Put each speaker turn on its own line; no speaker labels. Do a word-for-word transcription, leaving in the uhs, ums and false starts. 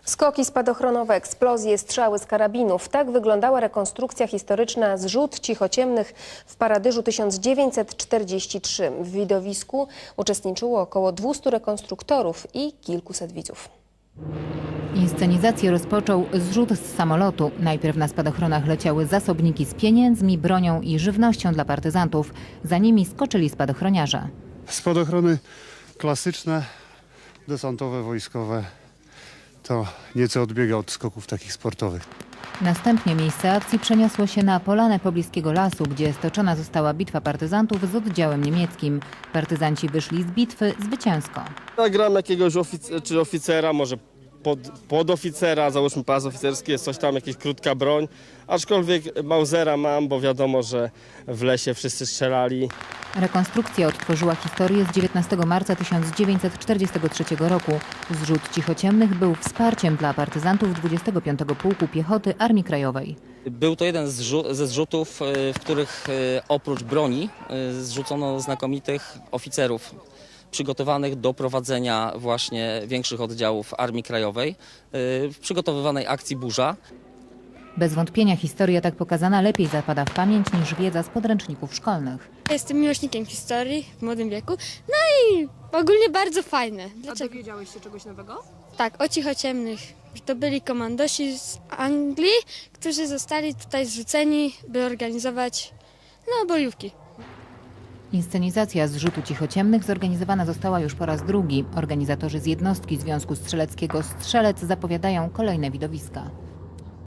Skoki spadochronowe, eksplozje, strzały z karabinów. Tak wyglądała rekonstrukcja historyczna Zrzut Cichociemnych w Paradyżu tysiąc dziewięćset czterdziesty trzeci. W widowisku uczestniczyło około dwustu rekonstruktorów i kilkuset widzów.
Inscenizację rozpoczął zrzut z samolotu. Najpierw na spadochronach leciały zasobniki z pieniędzmi, bronią i żywnością dla partyzantów. Za nimi skoczyli spadochroniarze.
Spadochrony klasyczne, desantowe, wojskowe. To nieco odbiega od skoków takich sportowych.
Następnie miejsce akcji przeniosło się na polanę pobliskiego lasu, gdzie stoczona została bitwa partyzantów z oddziałem niemieckim. Partyzanci wyszli z bitwy zwycięsko.
Ja gram jakiegoś ofic czy oficera, może pod, podoficera, załóżmy pas oficerski, jest coś tam, jakaś krótka broń. Aczkolwiek Mausera mam, bo wiadomo, że w lesie wszyscy strzelali.
Rekonstrukcja odtworzyła historię z dziewiętnastego marca tysiąc dziewięćset czterdziestego trzeciego roku. Zrzut Cichociemnych był wsparciem dla partyzantów dwudziestego piątego Pułku Piechoty Armii Krajowej.
Był to jeden ze zrzutów, w których oprócz broni zrzucono znakomitych oficerów przygotowanych do prowadzenia właśnie większych oddziałów Armii Krajowej w przygotowywanej akcji Burza.
Bez wątpienia historia tak pokazana lepiej zapada w pamięć niż wiedza z podręczników szkolnych.
Jestem miłośnikiem historii w młodym wieku, no i ogólnie bardzo fajne.
Dlaczego? A dowiedziałeś się czegoś nowego?
Tak, o Cichociemnych. To byli komandosi z Anglii, którzy zostali tutaj zrzuceni, by organizować no, bojówki.
Inscenizacja Zrzutu Cichociemnych zorganizowana została już po raz drugi. Organizatorzy z jednostki Związku Strzeleckiego Strzelec zapowiadają kolejne widowiska.